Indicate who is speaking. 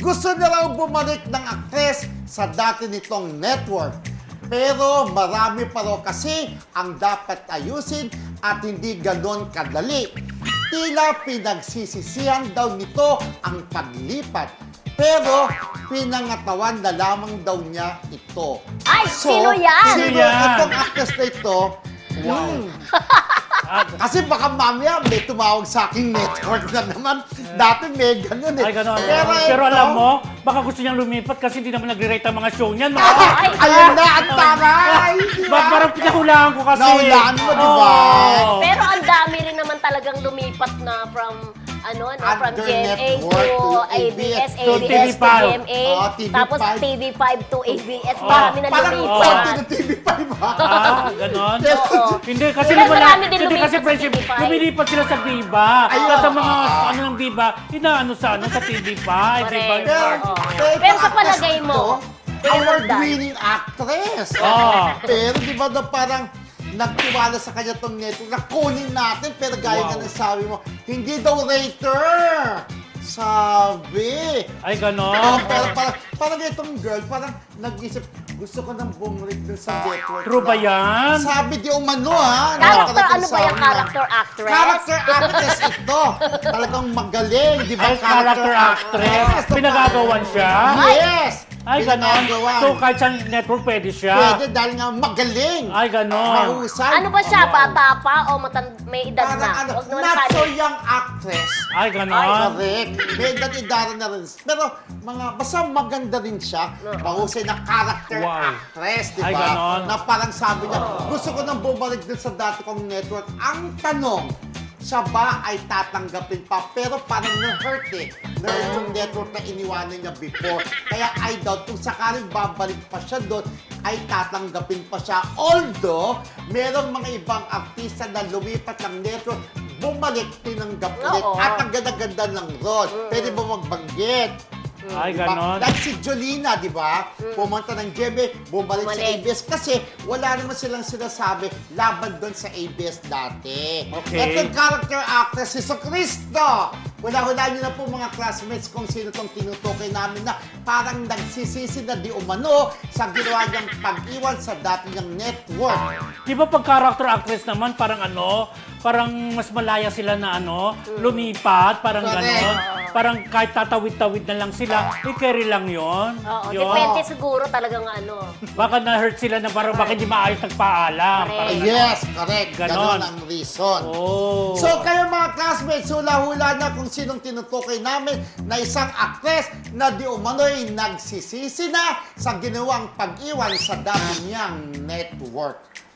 Speaker 1: Gusto na raw bumalik ng aktres sa dati nitong network. Pero marami pa raw kasi ang dapat ayusin at hindi ganon kadali. Tila pinagsisisihan daw nito ang paglipat. Pero pinangatawan na lamang daw niya ito.
Speaker 2: Ay, sino yan?
Speaker 1: Sino itong actress na ito? Wow. Kasi baka mamaya may tumawag sa aking network na naman. Dati may ganun eh.
Speaker 3: Ay, ganun.
Speaker 1: ito,
Speaker 3: Pero alam mo, baka gusto niyang lumipat kasi hindi naman nag-rate ang mga show niyan.
Speaker 2: Ay,
Speaker 1: ayun na, ang taray!
Speaker 3: Parang pinahulaan ko kasi.
Speaker 1: Nahulaan mo, di ba?
Speaker 3: Oo.
Speaker 2: Pero ang dami rin naman talagang lumipat na from from
Speaker 1: Under
Speaker 2: GMA
Speaker 1: network
Speaker 2: to
Speaker 1: to
Speaker 2: ABS,
Speaker 3: to
Speaker 2: ABS to
Speaker 3: TV5.
Speaker 2: GMA,
Speaker 1: TV5.
Speaker 2: tapos TV5 to ABS, marami na
Speaker 1: Parang
Speaker 2: lumipat.
Speaker 1: ng TV5 ba?
Speaker 3: Ganon.
Speaker 2: Oo.
Speaker 3: Hindi kasi
Speaker 2: Pero
Speaker 3: wala.
Speaker 2: marami din
Speaker 3: Hindi
Speaker 2: lumipat
Speaker 3: kasi
Speaker 2: sa
Speaker 3: friendship.
Speaker 2: TV5.
Speaker 3: Lumilipat sila sa Viva.
Speaker 1: Ayun.
Speaker 3: At ang mga ng Viva, inaano sa TV5.
Speaker 2: Correct.
Speaker 3: Viva.
Speaker 2: Oo.
Speaker 1: Pero
Speaker 2: Pero sa
Speaker 1: actress
Speaker 2: palagay mo,
Speaker 1: ito, award-winning actress.
Speaker 3: Oo.
Speaker 1: Pero di ba na parang nagtiwala sa kanya tong network na kunin natin pero gaya nga ng sabi mo, hindi daw rater. Sabi.
Speaker 3: Ay, ganon.
Speaker 1: Pero parang itong girl, parang nag-isip, gusto ko nang bumalik dun sa network.
Speaker 3: True ba
Speaker 1: na-
Speaker 3: yan?
Speaker 1: Sabi di umano ha.
Speaker 2: character, ano ba
Speaker 1: Sabi
Speaker 2: yung
Speaker 1: na-
Speaker 2: character actress?
Speaker 1: Character actress ito. Talagang magaling, di ba?
Speaker 3: Ay, character actress.
Speaker 1: So,
Speaker 3: Pinagagawan siya?
Speaker 1: Yes!
Speaker 3: Ay, ganon.
Speaker 1: Pinagagawan.
Speaker 3: So, kahit sa network, pwede siya.
Speaker 1: Pwede dahil nga magaling.
Speaker 3: Ay, ganon.
Speaker 1: Mahusay.
Speaker 2: Ano ba siya? Bata pa o may edad
Speaker 1: Parang
Speaker 2: na?
Speaker 1: ano,
Speaker 2: Huwag naman
Speaker 1: not so
Speaker 2: sabi.
Speaker 1: young actress.
Speaker 3: Ay, ganon.
Speaker 1: Correct. May edad-edad na rin. Pero basta maganda rin siya. Mahusay na character
Speaker 3: Wow.
Speaker 1: actress, di
Speaker 3: Ay,
Speaker 1: ba?
Speaker 3: ganon.
Speaker 1: Na parang sabi niya, gusto ko nang bumalik din sa dati kong network. Ang tanong, siya ba ay tatanggapin pa? Pero parang na-hurt eh. Na-hurt yung network na iniwanan niya before. Kaya I doubt kung sakaling babalik pa siya doon, ay tatanggapin pa siya. Although, merong mga ibang artista na lumipat ng network, bumalik, tinanggap ulit.
Speaker 2: Oo.
Speaker 1: At ang ganda-ganda ng role. Pwede mo magbanggit.
Speaker 3: Ay,
Speaker 1: Diba?
Speaker 3: ganon.
Speaker 1: Like si Jolina, di ba? Pumunta ng GMA, bumalik sa
Speaker 2: Bumalik.
Speaker 1: ABS kasi wala naman silang sinasabi laban doon sa ABS dati.
Speaker 3: Okay.
Speaker 1: Ito yung character actress, si Cristo. Wala-wala niyo na po mga classmates kung sino tong tinutukoy namin na parang nagsisisi na di umano sa ginawa niyang pag-iwan sa dati niyang network.
Speaker 3: Di ba pag character actress naman, parang parang mas malaya sila na lumipat, parang
Speaker 1: Correct.
Speaker 3: ganon. Parang kahit tatawid-tawid na lang sila, carry lang yon.
Speaker 2: Oo,
Speaker 3: Yun.
Speaker 2: depende siguro talagang
Speaker 3: Baka na-hurt sila na parang bakit di maayos nagpaalam.
Speaker 2: Correct.
Speaker 3: Parang
Speaker 1: Yes, correct.
Speaker 3: Ganon.
Speaker 1: Ganon ang reason.
Speaker 3: Oh.
Speaker 1: So kayo mga classmates, hula-hula na kung sinong tinutukoy namin na isang actress na di umano'y nagsisisi na sa ginawang pag-iwan sa dati niyang network.